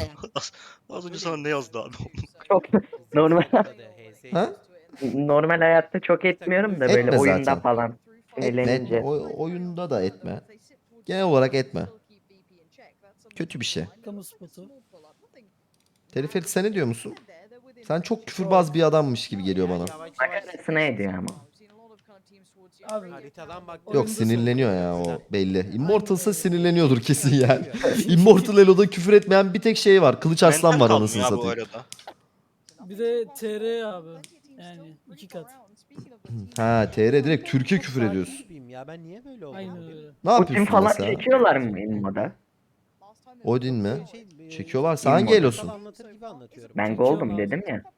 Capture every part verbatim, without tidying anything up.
Az, az önce sana ne yazdı abi? Çok normal Ha? normal hayatta çok etmiyorum da böyle Etme oyunda zaten. falan Etme etme. sinirlenince. O, oyunda da etme. Genel olarak etme. Kötü bir şey. Kamu spotu. Teleferik sen ne diyor musun? Sen çok küfürbaz bir adammış gibi geliyor bana. Yavaş yavaş. Makarasına ediyor ama. Abi Haritadan bak. Yok Oyunda sinirleniyor ya o belli. Immortal'sa sinirleniyordur kesin yani. Immortal Elo'da küfür etmeyen bir tek şey var. Kılıç Aslan Mental var kaldım anasını ya bu satayım. arada. bir de T R abi. Yani iki kat. Ha T R direkt Türkiye küfür ediyorsun. Gibiyim Ya ben niye böyle oldum? Aynen öyle. Ne Odin yapıyorsun falan mesela? çekiyorlar mı Inmo'da? Odin mi? Şey, e, Çekiyorlar. Sen hangi Masal elosun? Anlatır gibi anlatıyorum. Ben Çekiyorum Gold'um abi. dedim ya.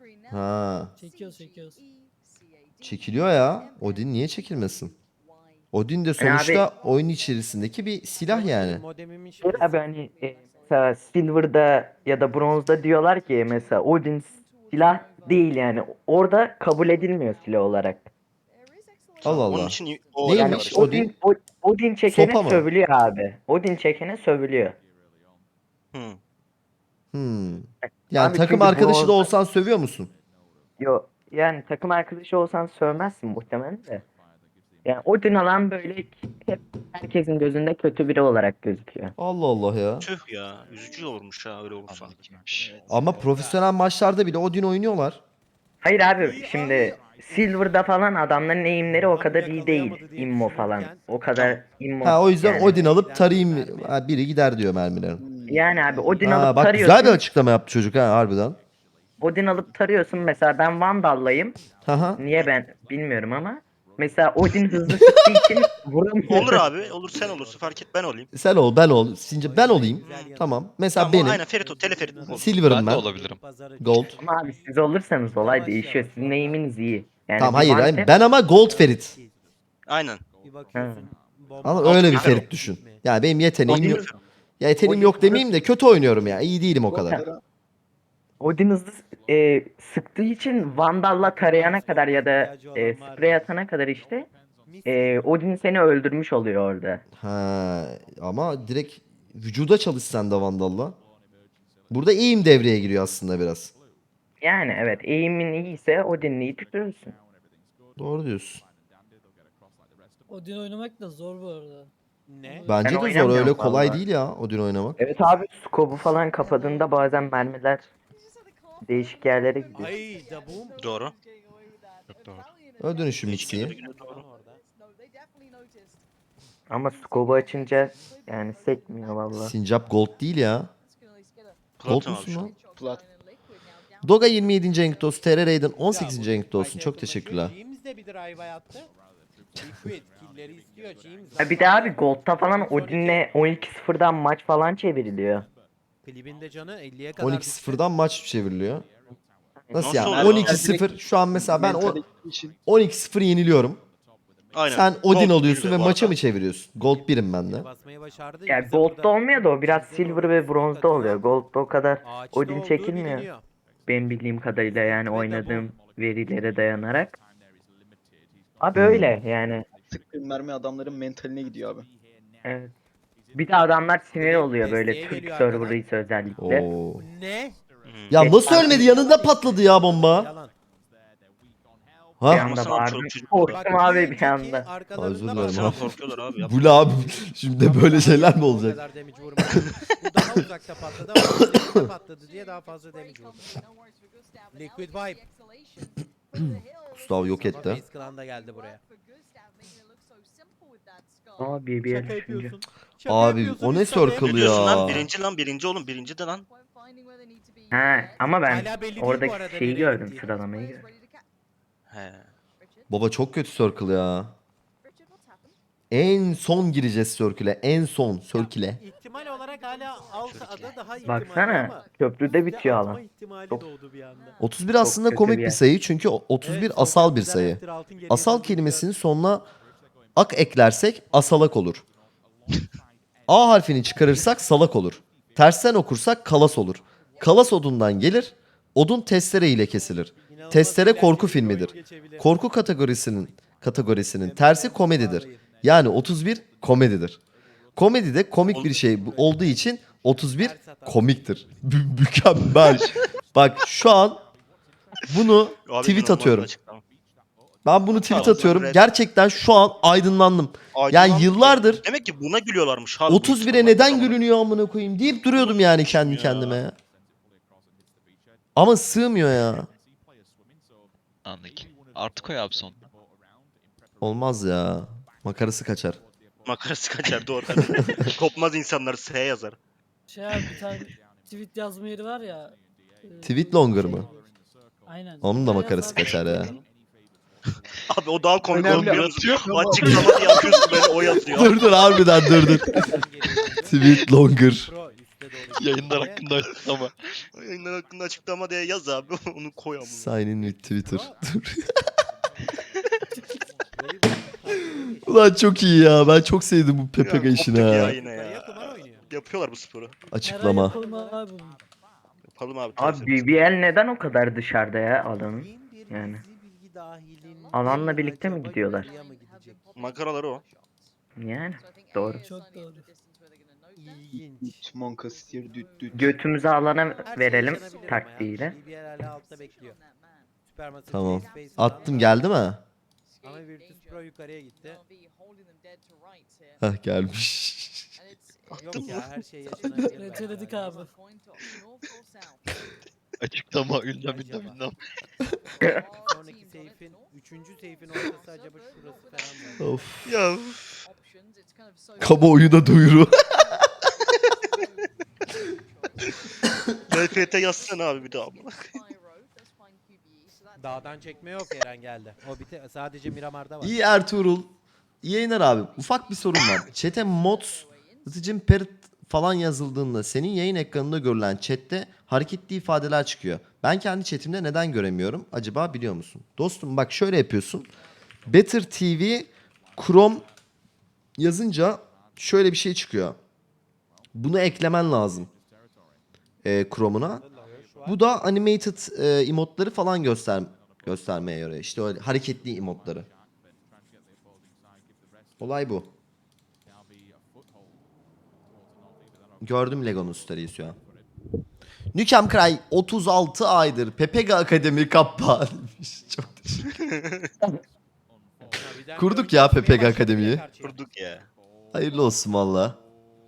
Ha. Çekiyoruz çekiyoruz. Çekiliyor ya. Odin niye çekilmesin? Odin de Yani sonuçta oyun içerisindeki bir silah yani. Modemimin Şey abi hani e, mesela Silver'da ya da Bronze'da diyorlar ki mesela Odin silah değil yani. Orada kabul edilmiyor silah olarak. Allah Onun Allah. için o Neymiş? Yani yapıyorlar işte. Odin? Odin, O- Odin çekene Sopa mı? sövülüyor abi. Odin çekene sövülüyor. Hı. Hmm. Yani Abi takım çünkü arkadaşı da bronz- olsan sövüyor musun? Yo, yani takım arkadaşı olsan sövmezsin muhtemelen de. Yani Odin alan böyle hep herkesin gözünde kötü biri olarak gözüküyor. Allah Allah ya. Tüh ya. Üzücü olurmuş ha öyle olursa. Ama profesyonel maçlarda bile Odin oynuyorlar. Hayır abi şimdi Silver'da falan adamların eğimleri o kadar iyi değil. Immo falan. O kadar immo Ha o yüzden yani. Odin alıp tarayayım. Ha, biri gider diyor mermilerin. Yani abi Odin Ha alıp bak tarıyorsun. güzel bir açıklama yaptı çocuk ha harbiden. Odin alıp tarıyorsun mesela ben Vandal'layım. Haha. Niye ben bilmiyorum ama. Mesela Odin hızlı sıktığı için vuramıyor. Olur abi. Olur sen olursun. Fark et ben olayım. Sen ol ben ol. Since ben olayım. Tamam. Mesela Tamam benim. aynen Ferit o. Teleferit olur. Silver'ım Ben de ben. olabilirim. Gold. Ama abi siz olursanız olay değişiyor. Sizin eğiminiz iyi. Yani Tamam bir hayır, one hayır. tap- Ben ama Gold Ferit. Aynen. Bir bakıyorsun. bomba- Ama öyle bir Gold Ferit düşün. Yani benim yeteneğim Odin- yok. Ya yeteneğim Odin- yok demeyeyim de kötü oynuyorum ya. İyi değilim o kadar. Odin hızlı e, sıktığı için Vandal'la tarayana kadar ya da e, sprey atana kadar işte e, Odin seni öldürmüş oluyor orada. Ha ama direkt vücuda çalışsan da Vandal'la. Burada eğim devreye giriyor aslında biraz. Yani evet eğimin iyiyse Odin'i tuturursun. Doğru diyorsun. Odin oynamak da zor bu arada. Ne? Bence Ben de zor, oynamıyorum öyle kolay vallahi. değil ya Odin oynamak. Evet abi skobu falan kapadığında bazen mermiler değişik yerlere gidiyor. Ay da bum. Doğru. Çok doğru. Öyle dönüşüm Değişik yerlere mixiyi. gidiyor, doğru. Ama skobu açınca yani sekmiyor valla. Sincap Gold değil ya. Gold Platin abi musun şu lan? an. Plat. Doga yirmi yedinci Enk Dost, T R Raiden on sekizinci Enk Dost'un çok teşekkürler. James de bir drive attı. Liquid killleri istiyor James. Ha bir de abi Gold'da falan Odin'le on iki sıfırdan maç falan çevriliyor. Klibinde canı elliye kadar on iki sıfırdan maç çevriliyor. Nasıl Nasıl yani? oluyor? on iki sıfır şu an mesela ben o Mentality için on iki sıfır yeniliyorum. Aynen. Sen Odin Gold alıyorsun bir ve de bu maça arada. mı çeviriyorsun? Gold birim ben de. basmayı başardı. Yani Bize Gold'da burada olmuyor da o biraz Jame'den Silver orada ve smoke Bronze'da atıyor. oluyor. Gold'da o kadar Ağaçta Odin olduğu çekilmiyor. biliniyor. Benim bildiğim kadarıyla yani Ve oynadığım verilere dayanarak. Abi Hmm. öyle yani. sıktığın mermi adamların mentaline gidiyor abi. Evet. Bir de adamlar sinir Benim oluyor böyle desteğe Türk geliyor server'ıysa özellikle. Oo. Ne? Hı. Ya Geç nasıl abi. ölmedi? Yanında patladı ya bomba. Yalan. Bir Ha? anda Anlasana bağırdım. çoluk çocuk Korktum orada. Bak, abi bir önceki anda. arkalarında Özür bak- dilerim Sana abi. korkuyorlar abi. Bu ne abi? Şimdi de böyle şeyler mi O olacak? kadar damage vurmadı. Bu daha uzakta patladı ama uzakta patladı diye daha fazla damage vurdu. Liquid Vibe. Gustav yok Ama etti. Face Clan da geldi buraya. Ama bir bir yer Şaka düşünce. yapıyorsun. Şaka Abi, yapıyorsun o ne İsmail. circle Ne diyorsun ya? lan? Birinci lan birinci oğlum. Birinci de lan. Ha ama ben Hala belli değil bu oradaki arada şeyi nereye gördüm gittiği. sıralamayı gördüm. He. Baba çok kötü circle ya. En son gireceğiz circle'e. En son circle'e. İhtimal olarak hala alt ada daha ihtimalli Baksana ama köprüde üstte bitiyor atma alan. ihtimali Çok- doğdu bir anda. otuz bir aslında kötü komik bir bir yer. sayı çünkü otuz bir Evet, asal bir Sokrat'tan sayı. Raptor altın geriye Asal döndü. kelimesinin sonuna ak eklersek asalak olur. A harfini çıkarırsak salak olur. Tersten okursak kalas olur. Kalas odundan gelir. Odun testere ile kesilir. İnanılmaz Testere eğlenceli korku bir filmidir. oyun geçebilir. Korku kategorisinin kategorisinin tersi komedidir. Yani otuz bir komedidir. Komedide komik bir şey bu- olduğu için otuz bir komiktir. Mü- Mükemmel. Bak şu an bunu Abi tweet inanılmaz atıyorum. açıklama. Ben bunu tweet Tamam, atıyorum. red- Gerçekten şu an aydınlandım. Aydınlandık yıllardır- ya. Demek ki buna gülüyorlarmış abi. bu otuz bire insanlar. neden Tamam. gülünüyor amına koyayım deyip duruyordum yani kendi Ya. kendime ya. Ama sığmıyor ya. Anladık. Artı koy abi son. Olmaz ya. Makarası kaçar. Makarası kaçar doğru. Kopmaz insanlar S yazar. Şey abi bir tane tweet yazma yeri var ya. e, Tweet longer mı? Aynen. Onun da Oraya makarası yazar- kaçar ya. Abi o daha komik Önemli olmuyor. atıyor ama- Açıklama diye yapıyorsun böyle o yazıyor. Dur dur harbiden dur dur. Tweet longer. Pro üstte doğru Yayınlar gidiyor. hakkında açıklama. Yayınlar hakkında açıklama diye yaz abi onu koy ama. Sign in with Twitter. Dur. Böyle bir- Ulan çok iyi ya. Ben çok sevdim bu P P G Ya, işini koptuk ya ha. yine Yukarıya ya. kumar oynuyor. Yapıyorlar bu sporu. Her ay Açıklama. yapalım abi bunu. Yapalım abi. Abi B B L neden o kadar dışarıda ya alanın? Bin bir Yani. gizli bilgi dahilin Alanla bir birlikte mi acaba gidiyorlar? yukarıya mı gidecek? Makaraları o. Yani doğru. Çok doğru. İlginç. Monkastir düt düt. Götümüzü alana Her şey verelim yaşanabilir ama ya. taktiğiyle. B B L hala altta bekliyor. Supermassive Tamam. Space Attım falan. geldi mi? Ama Virtus Pro yukarıya gitti. Hah gelmiş. Yok ya her şey yaşanabilir. Reteledik abi. Açıklama ünlem ünlem Acaba. ünlem. Sonraki seyfin, üçüncü seyfin ortası acaba şurası falan mı? Of. Ya Kamuoyuna duyuru. L F T yazsana abi bir daha. Dağdan çekme yok Eren geldi. O bite sadece Miramar'da var. İyi Ertuğrul. İyi yayınlar abi. Ufak bir sorun var. Chat'e mods, ıtıcım perit falan yazıldığında senin yayın ekranında görülen chatte hareketli ifadeler çıkıyor. Ben kendi chatimde neden göremiyorum? Acaba biliyor musun? Dostum bak şöyle yapıyorsun. Better T V Chrome yazınca şöyle bir şey çıkıyor. Bunu eklemen lazım. E, Chrome'una. Bu da animated e, emotları falan göster göstermeye yarıyor. İşte öyle hareketli emotları. Olay bu. Gördüm Lego'nun story'i şu an. Nukem Cry otuz altı aydır Pepega Akademi kappa demiş. Çok teşekkür Kurduk ya P P G Akademi'yi. Kurduk ya. Hayırlı olsun valla.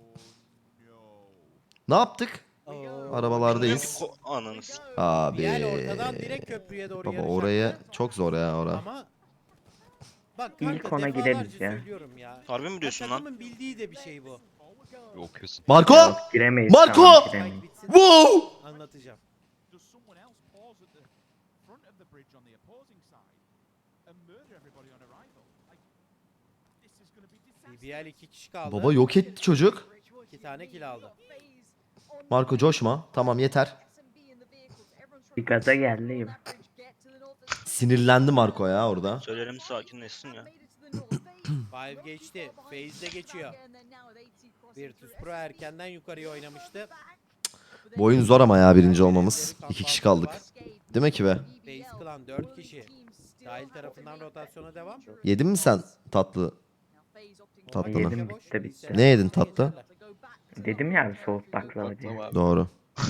Ne yaptık? Arabalardayız. Ko- Ananı s- Abi. Yani ortadan direkt köprüye doğru Baba yarışacak. oraya çok zor ya ora. Ama bak İlk kanka ona defalarca gideriz ya. söylüyorum ya. Harbi mi diyorsun lan? Takımın bildiği de bir şey bu. Okuyorsun. Marco! Yok, giremeyiz. Marco! Tamam, giremeyiz. Spike bitsin, Wow! anlatacağım. Does someone else pause at the front of the bridge on the opposing side and murder everybody on arrival? Like, this is going to be disaster. B B L iki kişi kaldı. Baba yok etti çocuk. İki tane kill aldı. Marco coşma. Tamam yeter. Bir gaza geldi gibi. Sinirlendi Marco ya orada. Söylerim sakinleşsin ya. Five geçti. FaZe de geçiyor. Virtus Pro erkenden yukarıya oynamıştı. Bu oyun zor ama ya birinci olmamız. İki kişi kaldık. Değil mi ki be? FaZe Clan dört kişi. Sahil tarafından rotasyona devam. Yedin mi sen tatlı? Tatlını. Yedim, bitti, bitti. Ne yedin tatlı? Dedim ya abi soğuk baklava diye. Doğru.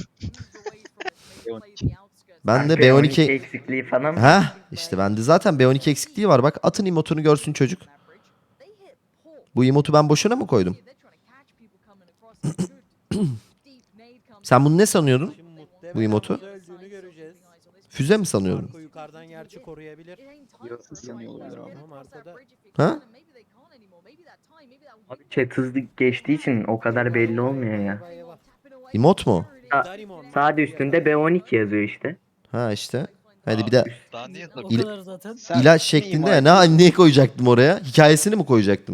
Ben de Kanka, B on iki... eksikliği falan. Ha işte bende zaten B on iki eksikliği var. Bak atın emotunu görsün çocuk. Bu emotu ben boşuna mı koydum? Sen bunu ne sanıyordun? Şimdi muhtemelen Bu emotu? burada öldüğünü göreceğiz. Füze mi sanıyordun? Marco yukarıdan gerçi koruyabilir. Yarısı sanıyor olabilir abi. Ama arkada Ha? Abi chat hızlı geçtiği için o kadar belli olmuyor ya. eyvah eyvah. Emot mu? Ha, Darimon. Sağ üstünde B on iki yazıyor işte. Ha işte. Hadi bir de Daha niye O tabii? İla- kadar zaten. Sen ilaç ne şeklinde ima ya. Ne, ne koyacaktım oraya? Hikayesini mi koyacaktım?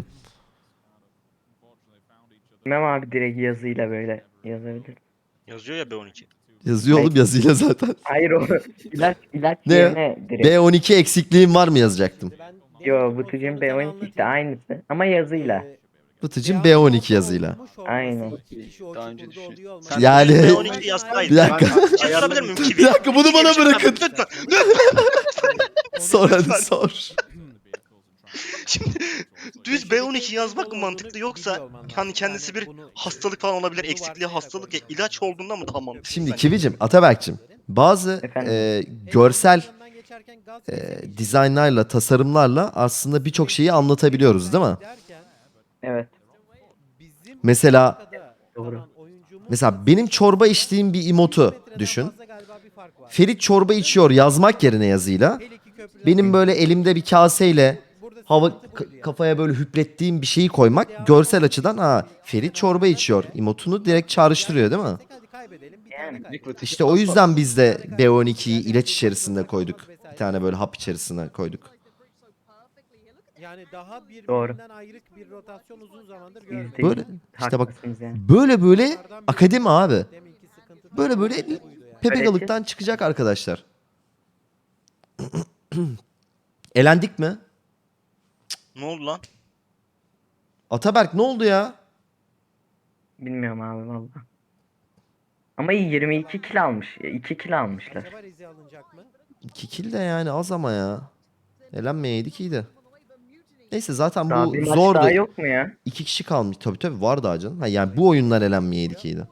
Bilmem abi direkt yazıyla böyle yazabilir. Yazıyor ya B on iki. Yazıyor oğlum yazıyla zaten. Hayır o ilaç ilaç Ne? yerine direkt. B on iki eksikliğim var mı yazacaktım? Ben Yo Bıtıcın B on iki işte aynısı ama yazıyla. Bıtıcım B on iki yazıyla. Aynen. Daha önce düşün. Sen Yani- B on iki yazsaydın. Bir dakika. Bir şey sorabilir miyim? Bir dakika bunu bana bırakın. Lütfen. Sor hadi sor. Şimdi düz B on iki yazmak mı mantıklı yoksa hani kendisi bir hastalık falan olabilir, eksikliği hastalık ya ilaç olduğunda mı daha mantıklı? Şimdi sence? Kivicim, Ataberk'cim bazı Efendim? e, görsel e, dizaynlarla, tasarımlarla aslında birçok şeyi anlatabiliyoruz değil mi? Evet. Mesela Doğru. mesela benim çorba içtiğim bir emotu düşün. Ferit çorba içiyor yazmak yerine yazıyla benim böyle elimde bir kaseyle hava k- kafaya böyle hüplettiğim bir şeyi koymak görsel açıdan ha Ferit çorba içiyor emotunu direkt çağrıştırıyor değil mi? Yani. İşte o yüzden biz de B on ikiyi ilaç içerisinde koyduk. Bir tane böyle hap içerisine koyduk. Yani daha birbirinden Doğru. ayrık bir rotasyon uzun zamandır Yüzde görmedik. Böyle yüz işte bak haklısınız yani. böyle böyle akademi abi. Deminki sıkıntı da Böyle böyle buydu yani. pepegalıktan çıkacak arkadaşlar. Elendik mi? Ne oldu lan? Ataberk ne oldu ya? Bilmiyorum abi valla. Ama iyi yirmi iki kill almış. iki kill almışlar. Acaba Rize alınacak mı? iki kill de yani az ama ya. Elenmeyeydik iyiydi. Neyse zaten Daha bu bir maç zordu. daha yok mu ya? İki kişi kalmış. Tabii tabii var daha canım. Ha, yani bu oyunlar elenmeyeydik iyiydi.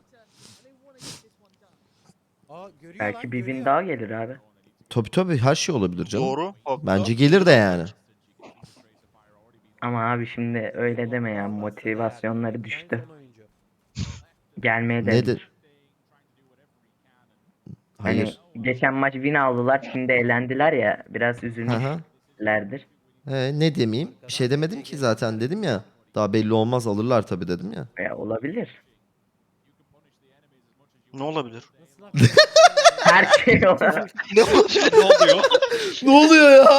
Aa, görüyor Belki lan, bir win görüyor. daha gelir abi. Tabii tabii her şey olabilir canım. Doğru. haklı. Bence gelir de yani. Ama abi şimdi öyle deme ya. Motivasyonları En düştü. son oyuncu. Gelmeye de Ne de- bilir. Hayır. Hani geçen maç win aldılar. Şimdi elendiler ya. Biraz Hı hı. üzülmüşlerdir. He, ne demeyeyim? Bir şey demedim ki zaten dedim ya. Daha belli olmaz alırlar tabii dedim ya. Ya olabilir. Ne olabilir? Nasıl laf? Her şey olabilir. Ne olabilir? Ne oluyor? Ne oluyor ya?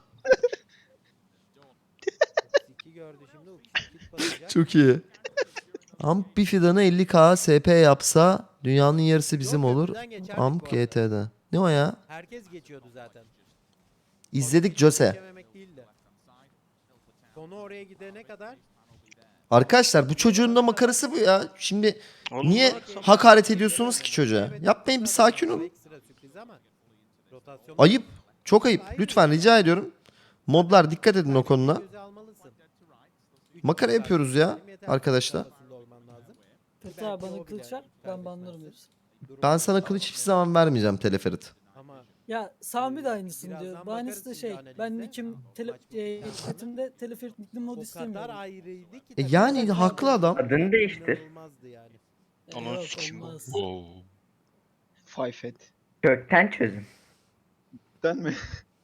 iki gördü şimdi. o kit basacak. Çok iyi. Amp bir fidanı elli K S P yapsa dünyanın yarısı bizim Yok, olur. köprüden geçerdik Amp bu arada. G T'de. Ne o ya? Herkes geçiyordu zaten. İzledik Jose. Geçememek değildi. Konu oraya gidene kadar Arkadaşlar bu çocuğun da makarası bu ya. Şimdi Oğlum, niye bak- hakaret ediyorsunuz ki çocuğa? Yapmayın bir sakin olun. ekstra sürpriz ama rotasyon Ayıp. Çok ayıp. Lütfen rica ediyorum. Modlar dikkat edin o konuda. göze almalısın. Üç Makara saat yapıyoruz ya yeter ki arkadaşlar. kafasında olman lazım. Fethi abi bana kılıç ver. Ben banlarım hepsini. Ben sana kılıç hiçbir zaman vermeyeceğim Teleferit. Ama Ya Sami de aynısını Birazdan diyor. Bahanesi de bakarız şey. şimdi Ben analize. nikim tele, e, chatimde teleferik nickli mod o kadar istemiyorum. ayrıydı ki. E tabii. yani haklı adam. Adını değiştir. İnanılmazdı yani. E, Ananı yok, sikeyim bu. olmaz. Wow. Five et. Kökten çözün. Den mi?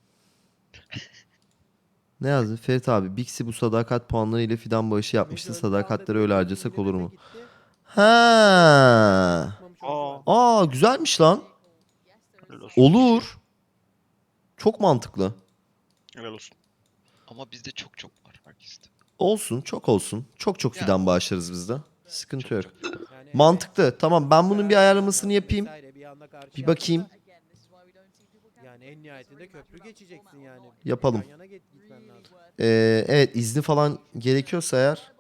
Ne yazdı? Ferit abi Bixi bu sadakat puanları ile fidan bağışı yapmıştı. Mecbur Sadakatleri aldı, öyle bir harcasak olur mu? indirime gitti. Ha. Çıkmamış oyuncu Aa. var. Aa güzelmiş lan. Helal olsun. Olur. Çok mantıklı. Helal olsun. Ama bizde çok çok var herkeste. Olsun, çok olsun. Çok çok Ya. fidan bağışlarız biz de. Sıkıntı yok. Yani Mantıklı. Tamam ben bunun bir ayarlamasını yapayım. vesaire bir anda karşı Bir bakayım. yaptığında Yani en nihayetinde köprü geçeceksin yani. Yapalım. Yan yana git- gitmen lazım. Ee, evet izni falan gerekiyorsa eğer.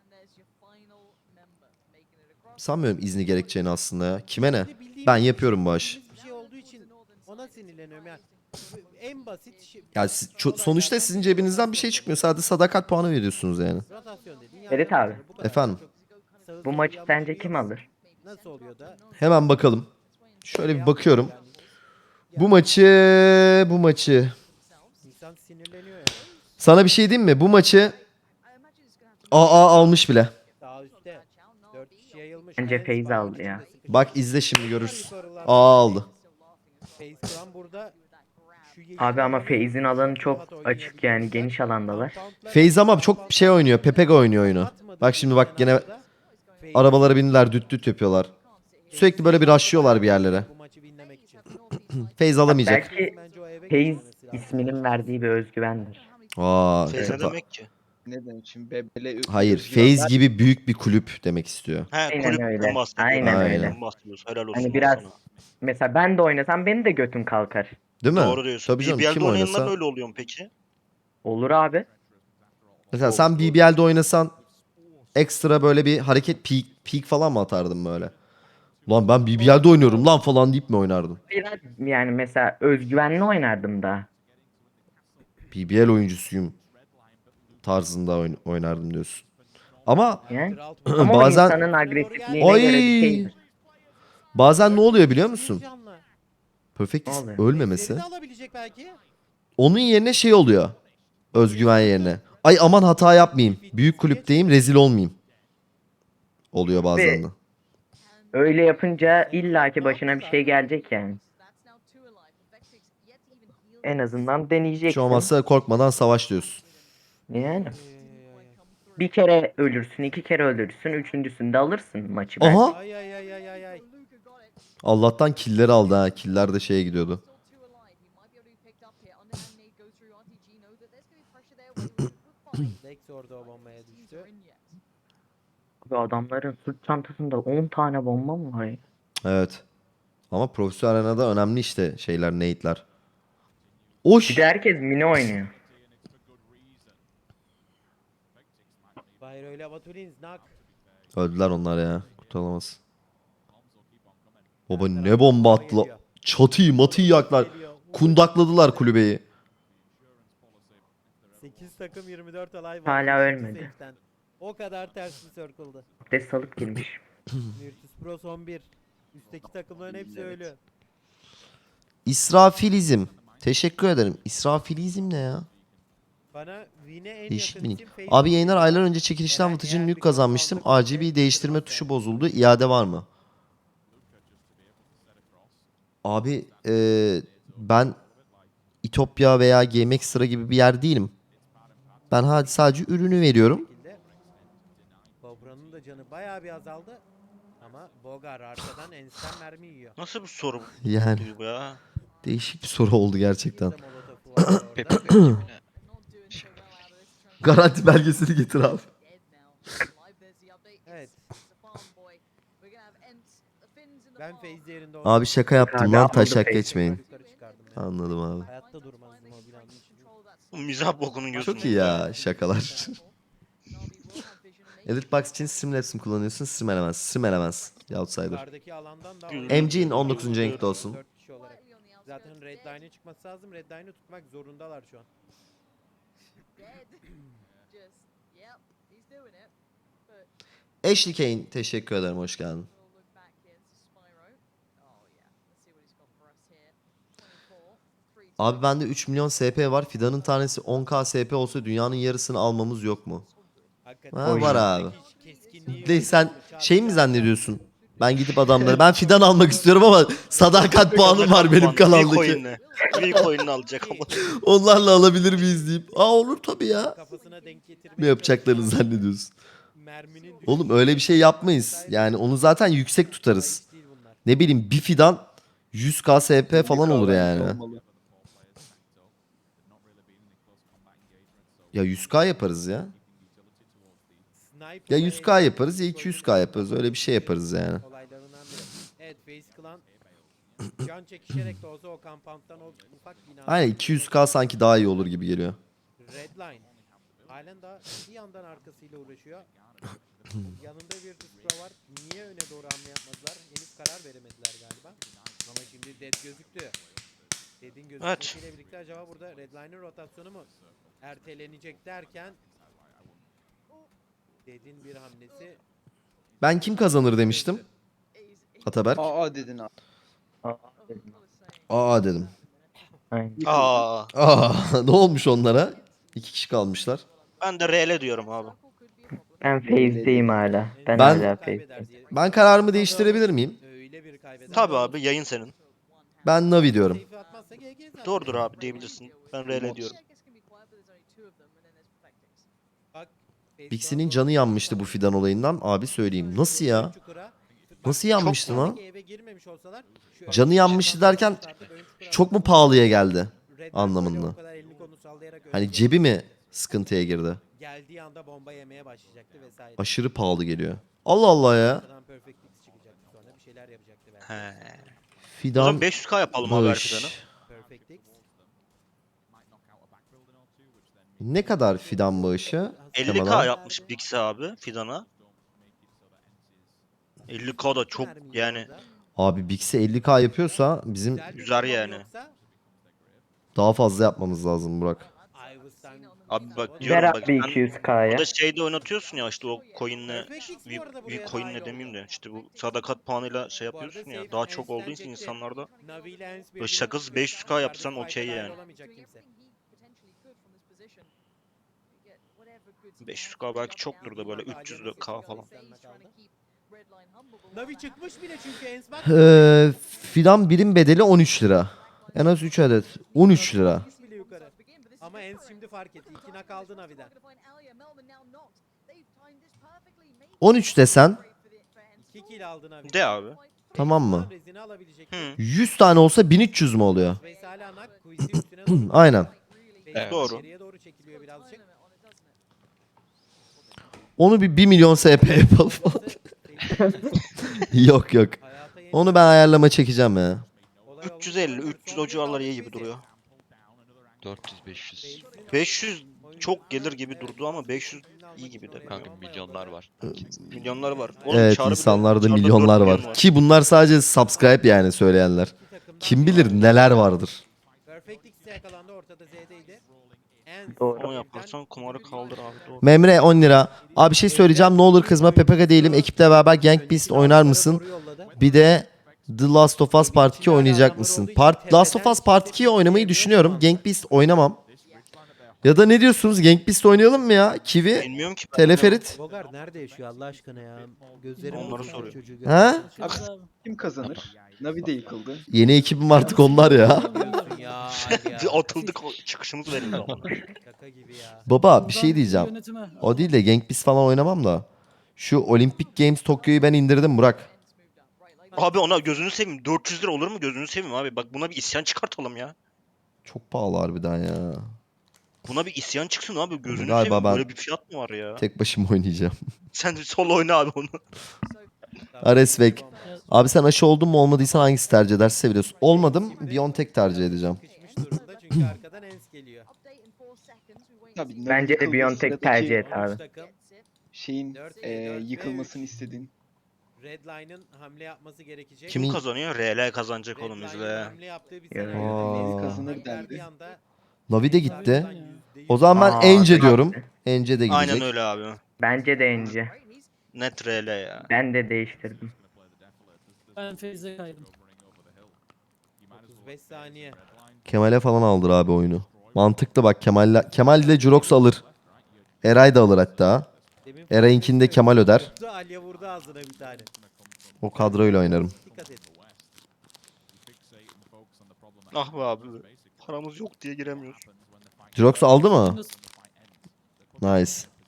Sanmıyorum izni gerekeceğini aslında ya. Kime ne? Bir de bildiğimiz Ben bir yapıyorum şey- bu aşı. bildiğimiz Bir şey olduğu için ona sinirleniyorum yani. En basit şey. Ya siz- ço- sonuçta sizin cebinizden bir şey çıkmıyor. Sadece sadakat puanı veriyorsunuz yani. Rotasyon dediğin yan Ferit yana abi. gidiyor. Bu kadar. Efendim? Çok sağ- Bu sol maçı yanlış sence bir- kim alır? Nasıl oluyor da? Hemen bakalım. Şöyle bir bakıyorum. Yani Bu maçı, bu maçı. insan sinirleniyor ya. Sana bir şey diyeyim mi? Bu maçı A A almış bile. Daha üstte. Dört kişi yayılmış. Bence Lens Feyz var, aldı onun ya. içinde sıkışmış. Bak izle şimdi görürsün. Yukarılarda A aldı. Feyz Kıran burada. Şu yeşil Abi ama alanı Feyz'in alanı çok rahat açık oynayabilir. yani geniş alandalar. Compound'lar- Feyz ama çok şey oynuyor. Pepega oynuyor oyunu. Bak şimdi bak gene Feyz- arabalara bindiler düt düt yapıyorlar. Sürekli böyle bir rushlıyorlar bir yerlere. Bu maçı winlemek için. Feyz alamayacak. Belki Bence o eve Feyz gitmemesi lazım. isminin verdiği bir özgüvendir. Aa, Feyz ne Tepa- demek ki? Ne demek şimdi? Bebele Hayır, Feyz gibi büyük bir kulüp demek istiyor. He Aynen kulüpten öyle. bahsediyor. Aynen öyle. Kulüpten bahsediyoruz. Helal olsun. Hani lan biraz sana. mesela ben de oynasam benim de götüm kalkar. Değil mi? Doğru diyorsun. Tabii canım B B L'de kim oynayanlar oynasa. öyle oluyor mu peki? Olur abi. Mesela sen B B L'de oynasan ekstra böyle bir hareket peak, peak falan mı atardın böyle? Lan ben B B L'de oynuyorum lan falan deyip mi oynardın? Biraz yani mesela özgüvenli oynardım da. B B L oyuncusuyum. tarzında oyn- oynardım diyorsun. Ama Yani. Kral Ama Bazen- o insanın agresifliğine Oy! göre bir şeydir. bazen ne oluyor biliyor musun? Canlı. Perfectis Ne oluyor? ölmemesi. Ejderi de alabilecek belki. Onun yerine şey oluyor. Özgüven yerine. Ay aman hata yapmayayım. Büyük kulüpteyim, rezil olmayayım. Oluyor bazen de. Öyle yapınca illaki başına bir şey gelecek yani. En azından Hiç deneyeceksin. olmazsa korkmadan savaş diyorsun. Yani. Bir kere ölürsün, iki kere ölürsün, üçüncüsünde alırsın maçı Aha! belki. Ay ay ay ay ay ay. Allah'tan killeri aldı ha. Killer de şeye gidiyordu. Lex orada o bombaya düştü. Abi adamların sırt çantasında on tane bomba mı var ya? Evet. Ama profesyonel arenada önemli işte şeyler, nade'ler. Oş! Bir de herkes mini oynuyor. Bayro ile Batulins nak. Öldüler onlar ya. Kurtulamaz. Baba ne bomba attılar. Çatıyı matıyı yaklar. Kundakladılar kulübeyi. sekiz takım yirmi dört olay var. Hala sekiz ölmedi. safe'den. O kadar ters bir circle'dı. Abdest salıp girmiş. Virtus Pro son bir. Üstteki takımların hepsi ölü. İsrafilizm. Teşekkür ederim. İsrafilizm ne ya? Bana Win'e en Değişik yakın minik. isim Facebook. Abi yayınlar aylar önce çekilişten Eğer- Vıtıcın eğer Nuke bir kazanmıştım. kanal R G B değiştirme tuşu bozuldu. İade var mı? Abi eee, ben İtopya veya G M X gibi bir yer değilim. Ben hadi sadece ürünü veriyorum. şekilde. Bobra'nın da canı bayağı bir azaldı. Ama Bogar arkadan ensten mermi yiyor. Nasıl bir soru Yani bu ya? değişik bir soru oldu gerçekten. Bir de Molotov'u var orada. Pepe Bey Garanti belgesini getir abi. Evet. Ben Feyzi yerinde Abi şaka yaptım Abi lan aldı taşak Feyzi. geçmeyin. Yukarı çıkardım ben. Anladım abi. Hayatta durmazdım o binanın içinde. Bu mizah bokunun gözünde. Çok iyi ya şakalar. Editbox için Streamlabs mi kullanıyorsun? Stream Elements. Stream Elements. Outsider. Yukarıdaki alandan da M G'nin on dokuzuncu renkli olsun. dört kişi olarak. Zaten Redline'e çıkması lazım. Redline'ı tutmak zorundalar şu an. Ashley Kane teşekkür ederim hoş geldin. Abi bende üç milyon S P var. Fidanın tanesi on K S P olsa dünyanın yarısını almamız yok mu? Hakikaten. Ha, var abi. Hiç keskinliği De yok. sen şey mi zannediyorsun? Ben gidip adamları ben fidan almak istiyorum ama sadakat puanım var benim Bir kanaldaki. coin'le. Bir coin'ini alacak ama. Onlarla alabilir miyiz deyip. Aa olur tabii ya. Kafasına denk getirmeye Ne yapacaklarını çalışıyor. zannediyorsun? Merminin Oğlum öyle bir şey yapmayız. Yani onu zaten yüksek tutarız. Hiç değil bunlar. Ne bileyim bir fidan yüz K S P falan olur yani. Olmalı. Ya yüz K yaparız ya. Sniper Ya ve yüz K yaparız ya iki yüz K yaparız. Öyle bir şey yaparız yani. olaylarından biri. Evet, Face Clan can çekişerek de olsa o kampanttan o ufak bina. Aynen iki yüz K sanki daha iyi olur gibi geliyor. Redline. Halen daha bir yandan arkasıyla uğraşıyor. Yanında bir Pro var. Niye öne doğru hamle yapmadılar? Henüz karar veremediler galiba. Ama şimdi Dead gözüktü. Dead'in gözükmesiyle birlikte acaba burada Redline'ın rotasyonu mu ertelenecek derken Dead'in bir hamlesi Ben kim kazanır demiştim. Ataberk. Aa dedin abi. Aa dedim. Aynen. Aa, Aa ne olmuş onlara? İki kişi kalmışlar. ben de R L diyorum abi. Ben phase'deyim hala. Ben, Ben- hala kaybeder phase'deyim. diye. Ben kararımı değiştirebilir miyim? Öyle bir kaybeder. Tabi abi yayın senin. Ben Navi diyorum. Seyfi atmazsa G G zaten. Doğrudur abi diyebilirsin. Ben R L diyorum. Bak, Bixi'nin canı yanmıştı bu fidan olayından. Abi söyleyeyim. Nasıl ya? Nasıl yanmıştı lan? Eve girmemiş olsalar şu Canı ön yanmıştı çukura derken atıp ön çukura Çok mu atıp pahalıya geldi? Redline anlamında? böyle o kadar elini kolunu sallayarak ön Hani çukura cebi mi sıkıntıya girdi? geldiği anda bomba yemeye başlayacaktı vesaire. Aşırı pahalı geliyor. Allah Allah ya. Arkadan Perfect X çıkacaktı sonra bir şeyler yapacaktı belki. He. O zaman Fidan beş yüz K yapalım abi her Bağış. fidanı. Perfect X. Ne kadar fidan bağışı? elli K Temadan. yapmış Bixi abi fidana. elli K da çok Mermi yani yiyor orada. Abi Bix'i elli K yapıyorsa bizim Güzel bir Güzel bomba yani. yoksa daha fazla yapmamız lazım Burak. Ives'tan Abi bak Ver diyorum bak abi sen iki yüz K'ya. burada şeyde oynatıyorsun ya işte o coin'le Perfect X bu bir, arada bir buraya coin'le dahil demeyeyim oldu. de işte bu sadakat puanıyla şey Bu arada yapıyorsun safe ya daha çok olduğu için Ens'lenecekti. insanlarda Navi ile Ens böyle birbirine şakasız tutuyor. beş yüz K yapsan Yukarıda okey fight'a dahil yani. olamayacak kimse. beş yüz K belki çoktur da böyle üç yüz K falan. Navi çıkmış bile çünkü Ens bak. Ee, fidan birim bedeli on üç lira. En az üç adet. on üç lira. Çıkmış bile yukarı. Ama Ens şimdi fark etti. İkine kaldı Navi'den. on üç desen iki kill aldı Navi. De abi. tamam mı? Rezini alabilecek. Hı. yüz tane olsa bin üç yüz mü oluyor? Veysel Anak Quiz'i üstüne doğru. Aynen. Veysel Evet. Doğru. geriye doğru çekiliyor birazcık. Onu bir bir milyon S P yapalım. Yok yok. Hayata yeni- Onu ben ayarlama çekeceğim ya. Olay üç yüz elli olmuş. üç yüz Son o civarlar bir iyi aldı gibi Quiz'i. duruyor. dört yüz beş yüz. beş yüz çok gelir gibi durdu ama beş yüz iyi gibi de. Kanka milyonlar var. Milyonlar var. Oğlum Evet Çağrı bile- insanlarda Çağrı'da milyonlar dört var. milyon Ki bunlar sadece subscribe yani söyleyenler. İki takımdan Kim biri bilir aldı. neler vardır. Perfect X'e yakalandı ortada Z'deydi. Ens Doğru. Onu yaparsan kumarı kaldır abi doğru. Memre on lira. Abi bir şey söyleyeceğim ne olur kızma P P K değilim. Ekiple beraber Gang Beast oynar mısın? Bir de The Last of Us Part iki oynayacak mısın? Part Last of Us Part ikiyi oynamayı düşünüyorum. Gang Beast oynamam. Ya da ne diyorsunuz? Gang Beast oynayalım mı ya? Kiwi, Bilmiyorum ki. ben Teleferit. Bogar nerede yaşıyor Allah aşkına ya? Gözlerim Onları bozuldu soruyor. çocuğu Ha? görünce. Abi. Kim kazanır? Navi de yıkıldı. Yeni ekibim artık onlar ya. Diyorsun ya, hadi ya. Bir atıldık o çıkışımız verildi ama. Şaka gibi ya. Baba bir şey Buradan diyeceğim. yönetime. O değil de Gang Beast falan oynamam da. Şu Olympic Games Tokyo'yu ben indirdim Burak. Abi ona gözünü seveyim. dört yüz lira olur mu gözünü seveyim abi. Bak buna bir isyan çıkartalım ya. Çok pahalı harbiden ya. Buna bir isyan çıksın abi. Gözünü Galiba seveyim. ben- Böyle bir fiyat mı var ya? Tek başıma oynayacağım. Sen solo oyna abi onu. Aresvek. Abi sen aşı oldun mu olmadıysan hangisi tercih edersin seviyorsun. Olmadım Biontech tercih edeceğim. Sıkışmış durumda çünkü arkadan Ens geliyor. Tabii Navi Bence de yıkıldı. Biontech Sıradaki tercih et üç abi. takım Şeyin Dört e, ve dört ve yıkılmasını üç. istediğin. Redline'ın hamle yapması gerekecek. Kim Kimin- kazanıyor? R L kazanacak oğlum Redline'ın izle. hamle yaptığı bir Ya. senaryo. Aa. Kazanır dendi. Navi de gitti. Ya. O zaman ben Aa, Ence evet. diyorum. Ence de gidecek. Aynen öyle abi. Bence de Ence. Net R L ya. Ben de değiştirdim. Ben Feyz'e kaydım. otuz beş saniye. Kemal'e falan aldır abi oyunu. Mantıklı bak Kemal'le. Kemal ile Jurox alır. Eray da alır hatta. Demin Eray'inkini de Kemal öder. vurdu, Alya vurdu ağzına bir tane. O kadroyla oynarım. Dikkat et. Ah be abi. Paramız yok diye giremiyoruz. Jurox aldı mı? Nice.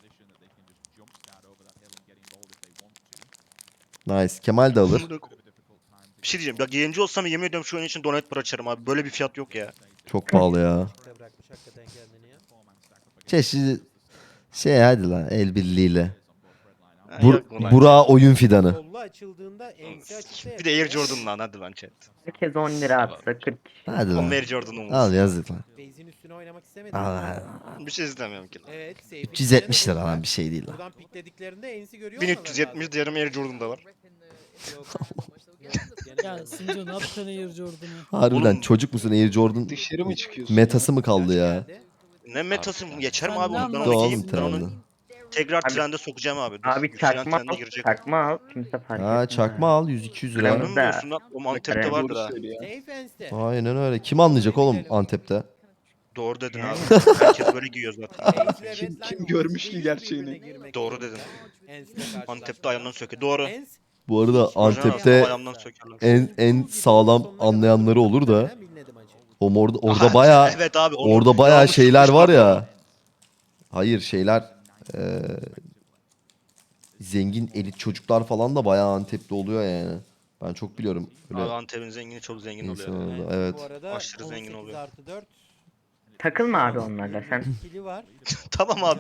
Nice. Kemal de alır. Bir şey diyeceğim. Bak yayıncı olsam yemin ediyorum şu oyun için donate para açarım abi. Böyle bir fiyat yok ya. Çok pahalı ya. Şuraya bırakmış hakikaten kendini ya. Çeşit şey hadi lan el birliğiyle. Ha, Bur yok ulan. Burak'a oyun fidanı. Kollu açıldığında ense açıkta Bir de Air Jordan lan hadi lan chat. Herkes on lira atsa kırk kişi. Hadi Oğlum lan. Air Jordan'ım Al olsun. yazık lan. Base'in üstüne oynamak istemedim. Al, al. Bir şey istemiyorum ki. Evet. safe'i üç yüz yetmiş içine de lira lan vurdular. bir şey değil lan. Buradan piklediklerinde ensi görüyor bin olmaları üç yüz yetmiş lazım. diğerim Air Jordan'da var. Yok. Ya Sinco ne yapacaksın Air Jordan'ı? Harbiden Oğlum- çocuk musun Air Jordan Dışarı mı çıkıyorsun? metası mı kaldı ya? Geldi. Ne metası mı? Geçer mi Sen abi ne onu? Ben anlarsın onu Doğum giyeyim. Ben onu trende. tekrar Abi- trende sokacağım abi. Dur. Abi Yükselen çakma trende al. girecek. Çakma al. Kimse fark Ha etmez. çakma al yüz iki yüz lira. Kırmızı. Emin mi diyorsun lan? O Antep'te Evet. vardır Doğru ha. söylüyor. Safe enste. Aynen öyle. Kim anlayacak oğlum Antep'te? Doğru dedin abi. Herkes böyle giyiyor zaten. Ense ve Kim- Redline kim görmüş ki yüz gerçeğini? birbirine girmek Doğru zorunda. dedin. Ens'le karşılaşma. Antep'te ayağından söke. Doğru. Ens, Bu arada hiç Antep'te ayağımdan sökerler. en en sağlam anlayanları olur da Ben bilmedim acı. o orada orada Aha, baya evet abi, onu orada baya yanlış şeyler var tutmuşlar ya. Hayır şeyler eee, zengin elit çocuklar falan da baya Antep'te oluyor yani. Ben çok biliyorum. Abi Öyle Antep'in zengini çok zengin insan oluyor. oldu. Ens'in Evet. Bu arada Aşırı zengin on sekiz oluyor. artı dört. Takılma abi onlarla sen. Kili var. Tamam abi.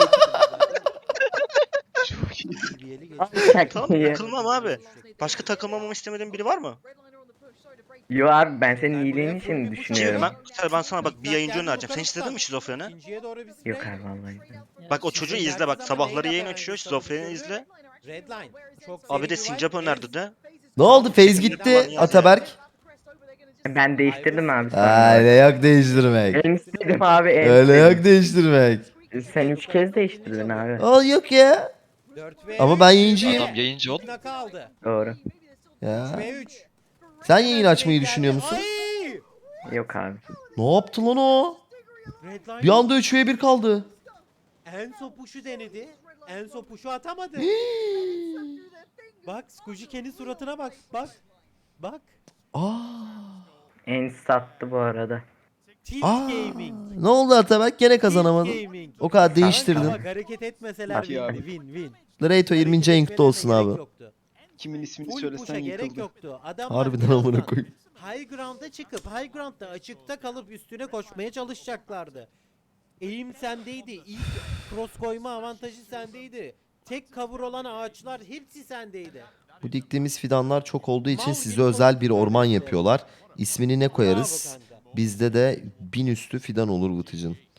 Çok iyi. Seviyeli geçti. Al Tamam çakmayı. takılmam abi. Başka takılmamamı istemediğin biri var mı? Yo abi ben senin Ben iyiliğin buraya için full bir push Ki düşünüyorum. ben, mesela ben sana bak bir yayıncı Geldi önereceğim. Sen bakalım hiç izledin mi sen. şizofreni? İkinciye doğru bir spray. Yok abi vallahi. Bak o çocuğu izle bak sabahları yayın açıyor. Şizofreni izle. Redline. Çok Abi de seri bir sincap vibe. önerdi de. Ne oldu? Feyz gitti Falan yaz ya. Ataberk. Ben değiştirdim abi Ha, sonra. öyle yok değiştirmek. En istedim abi en Öyle yok istedim. değiştirmek. Sen üç kez değiştirdin abi. Aa yok ya. dört ve Ama üç. ben yayıncıyım. Adam yayıncı ol. Naka aldı. Doğru. Ya. ve üç. Sen yayın açmayı düşünüyor musun? Ay! Yok abi. Ne yaptı lan o? Redline Bir anda üç ve bir kaldı. Enzo Push'u denedi. Enzo Push'u atamadı. Bak Skujike'nin suratına bak. Bak. Bak. Aa. En sattı bu arada. Tilt Aa. Gaming. Ne oldu Atabek? Gene Tilt kazanamadın. Gaming. O kadar Bak değiştirdin. hareket etmeseler Peki abi. win win win. Lareto yirminci ayın kutlu olsun Hareket abi. etmelerine gerek yoktu. Kimin ismini Full söylesen push'a gerek yıkıldı. yoktu. Adamlar Harbiden birazdan amına koyayım. High ground'a çıkıp high ground'da açıkta kalıp üstüne koşmaya çalışacaklardı. Eğim sendeydi. İlk cross koyma avantajı sendeydi. Tek cover olan ağaçlar hepsi sendeydi. Bu diktiğimiz fidanlar çok olduğu için Mal size gibi özel bir konuşuyor orman mesela. yapıyorlar. İsmini ne koyarız? Bravo kanka. Bizde de bin üstü fidan olur Vıtıcın.